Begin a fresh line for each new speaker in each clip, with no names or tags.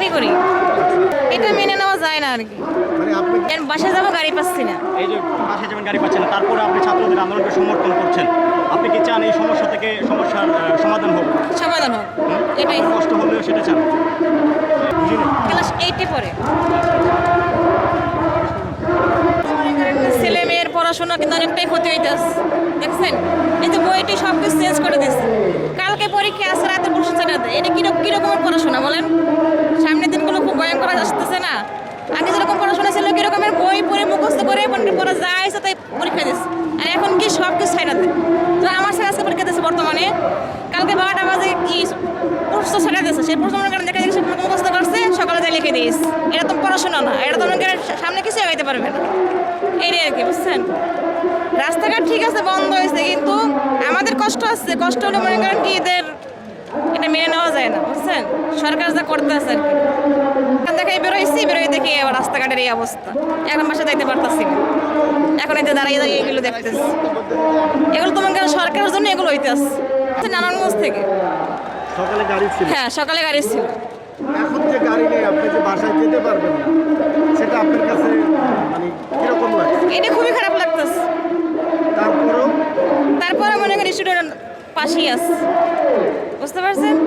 চাকরি করি, এটা মেনে নেওয়া যায় না আর কি।
মানে আপনি
বাসায় যাবো, গাড়ি পাচ্ছি না।
এই যে বাসায় যেমন গাড়ি পাচ্ছেন না, তারপরে আপনি ছাত্রদের আন্দোলনকে সমর্থন করছেন, আপনি কি চান এই সমস্যার সমাধান হোক?
সমাধান হোক, এটাই।
কষ্ট হলেও সেটা চান? বুঝিনি।
ক্লাস 8-এ পড়ে। ছেলে মেয়ের পড়াশোনা কিন্তু অনেকটাই ক্ষতি হইতেছে, দেখছেন? এই যে বইটি সব কিছু চেঞ্জ করে দিচ্ছে। কালকে পরীক্ষা আছে, রাতে প্রশ্ন দেয়। এটা কিরকমের পড়াশোনা বলেন? সামনের দিনগুলো খুব ভয়ঙ্কর আসতেছে না? আগে যেরকম পড়াশোনা ছিল, কিরকমের বই পড়ে মুখস্থ করে পড়া যায় তাই পরীক্ষা দিচ্ছে, আর এখন কি সব কিছু ছাইড়া দেয়। তো আমার ছেলে আজকে পরীক্ষা দিচ্ছে বর্তমানে, কালকে 12টা বাজে কি প্রশ্ন ছাড়া দিচ্ছে, সেই প্রশ্ন মনে করেন দেখা যাচ্ছে মুখস্থ করছে, সকালে যাই লিখে দিস। এটা তো পড়াশোনা না, এটা তো মনে করেন সামনে কিছু এগাইতে পারবে না। এইটাই আর কি, বুঝছেন? রাস্তাঘাট ঠিক আছে, বন্ধ হয়েছে, কিন্তু আমাদের কষ্ট আসছে। কষ্ট হলে মনে করেন কি এদের এটা মেনে নেওয়া যায় না, বুঝছেন? সরকার যা করতে আছে আর কি। দেখাই বেরোই দেখি আবার রাস্তাঘাটের এই অবস্থা। এখন বাসা যাইতে পারতাছি না, এখন এতে দাঁড়িয়ে এগুলো দেখতেছি। এগুলো তো মনে করেন সরকারের জন্য এগুলো হইতেছে। নারায়ণগঞ্জ থেকে।
সকালে গাড়ি ছিল,
হ্যাঁ, সকালে গাড়ি ছিল।
এখন যে গাড়ি নেই, আপনি যে বাসায় যেতে পারবেন না, সেটা আপনার কাছে মানে কিরকম লাগছে?
এটা খুবই খারাপ লাগতেছে। তারপরে মনে করেন স্টুডেন্ট পাশেই আছে, বুঝতে পারছেন?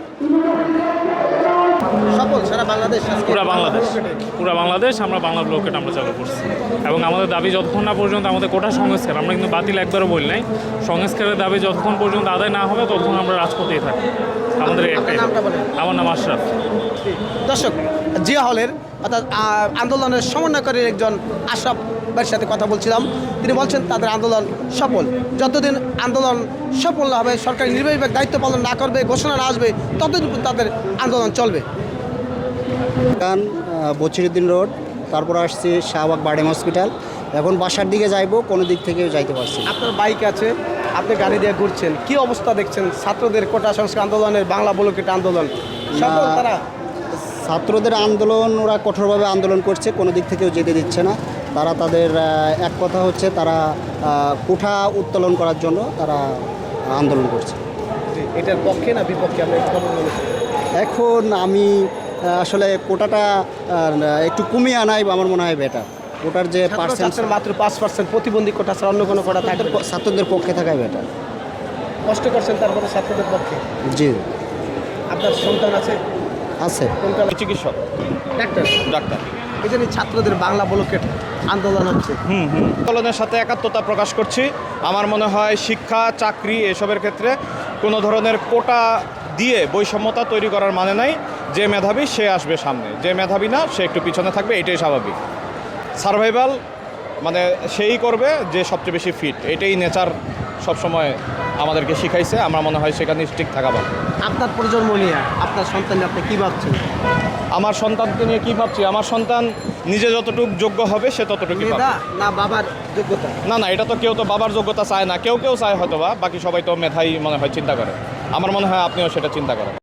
সফল সারা বাংলাদেশ,
পুরা বাংলাদেশ আমরা বাংলা ব্লকেট আমরা চালু করছি, এবং আমাদের দাবি যতক্ষণ না পর্যন্ত আমাদের কোটা সংস্কার, আমরা কিন্তু বাতিল একবারও বলি নাই, সংস্কারের দাবি যতক্ষণ পর্যন্ত আদায় না হবে ততক্ষণ আমরা রাজপথেই থাকি। আমাদের একটাই, আমার নাম আশরাফ।
দর্শক, জিয়া হলের অর্থাৎ আন্দোলনের সমন্বয়কারীর একজন আশরাফ ভাইয়ের সাথে কথা বলছিলাম। তিনি বলছেন তাদের আন্দোলন সফল। যতদিন আন্দোলন সফল না হবে, সরকারি নির্বাহী বিভাগ দায়িত্ব পালন না করবে, ঘোষণা না আসবে, ততদিন তাদের আন্দোলন চলবে।
কারণ বছিরুদ্দিন রোড, তারপর আসছি শাহবাগ বার্ডেম হসপিটাল, এখন বাসার দিকে যাইবো, কোনো দিক থেকেও যাইতে পারছি না।
আপনার বাইক আছে, আপনি গাড়ি দিয়ে ঘুরছেন, কি অবস্থা দেখছেন? ছাত্রদের কোটা সংস্কার আন্দোলনের বাংলা ব্লকেট আন্দোলন সফল তারা?
ছাত্রদের আন্দোলন, ওরা কঠোরভাবে আন্দোলন করছে, কোনো দিক থেকেও যেতে দিচ্ছে না। তারা তাদের এক কথা হচ্ছে তারা কোঠা উত্তোলন করার জন্য তারা আন্দোলন করছে।
এটার পক্ষে না বিপক্ষে আমরা
এখন আমি আসলে কোটাটা একটু কমিয়ে আনাই আমার মনে হয় বেটার। কোটার যে পার্সেন্ট
মাত্র 5% প্রতিবন্ধী কোটা ছাড়া অন্য কোনো কোটা থাকবে,
ছাত্রদের পক্ষে থাকাই বেটার।
কষ্ট করছেন তারপরে ছাত্রদের পক্ষে।
জি,
আপনার সন্তান আছে?
আছে।
কোনটা?
চিকিৎসক, ডাক্তার।
এই জন্য ছাত্রদের বাংলা ব্লকেট আন্দোলন হচ্ছে।
আন্দোলনের সাথে একাত্মতা প্রকাশ করছি। আমার মনে হয় শিক্ষা, চাকরি এসবের ক্ষেত্রে কোনো ধরনের কোটা দিয়ে বৈষম্যতা তৈরি করার মানে নাই। যে মেধাবী সে আসবে সামনে, যে মেধাবী না সে একটু পিছনে থাকবে, এটাই স্বাভাবিক। সার্ভাইভাল মানে সেই করবে যে সবচেয়ে বেশি ফিট, এটাই নেচার সবসময় আমাদেরকে শিখাইছে। আমার মনে হয় সেখানে ঠিক থাকা ভালো।
আপনার প্রজন্ম নিয়ে আপনার সন্তান আপনি কী ভাবছেন?
আমার সন্তানকে নিয়ে কী ভাবছি? আমার সন্তান নিজে যতটুকু যোগ্য হবে সে ততটুকু
মেধা না বাবার যোগ্যতা?
না, এটা তো কেউ তো বাবার যোগ্যতা চায় না, কেউ চায় হয়তো বা, বাকি সবাই তো মেধাই মনে হয় চিন্তা করে। আমার মনে হয় আপনিও সেটা চিন্তা করেন।